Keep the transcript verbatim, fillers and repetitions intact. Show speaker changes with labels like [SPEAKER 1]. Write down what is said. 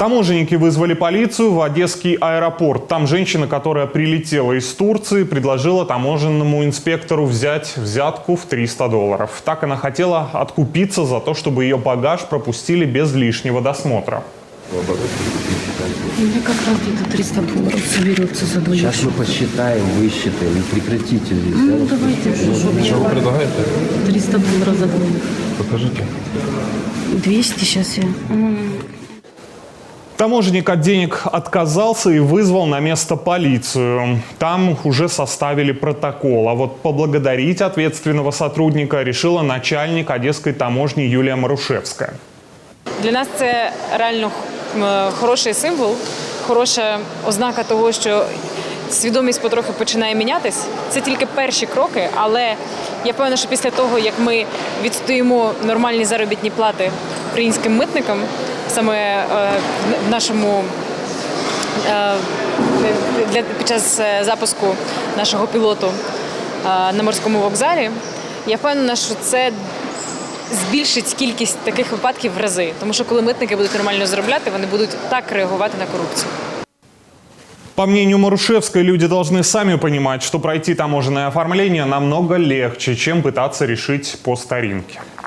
[SPEAKER 1] Таможенники вызвали полицию в Одесский аэропорт. Там женщина, которая прилетела из Турции, предложила таможенному инспектору взять взятку в триста долларов. Так она хотела откупиться за то, чтобы ее багаж пропустили без лишнего досмотра.
[SPEAKER 2] У меня как раз где-то триста долларов соберется за двоих.
[SPEAKER 3] Сейчас мы посчитаем, высчитаем и прекратите здесь.
[SPEAKER 2] Ну,
[SPEAKER 3] да?
[SPEAKER 2] давайте.
[SPEAKER 4] Что вы предлагаете?
[SPEAKER 2] триста долларов за двоих.
[SPEAKER 4] Покажите.
[SPEAKER 2] двести сейчас я.
[SPEAKER 1] Таможенник от денег отказался и вызвал на место полицию. Там уже составили протокол. А вот поблагодарить ответственного сотрудника решила начальник одеської таможні Юлія Марушевська.
[SPEAKER 5] Для нас це реально хороший символ, хороша ознака того, що свідомість потрохи починає мінятись. Це тільки перші кроки, але я впевнена, що після того, як ми відстоїмо нормальні заробітні плати українським митникам, саме в нашому для під час запуску нашого пілоту на морському вокзалі, я впевнена, що це збільшить кількість таких випадків в рази. Тому що коли митники будуть нормально заробляти, вони будуть так реагувати на корупцію.
[SPEAKER 1] По мнению Марушевской, люди должны сами понимать, что пройти таможенное оформление намного легче, чем пытаться решить по старинке.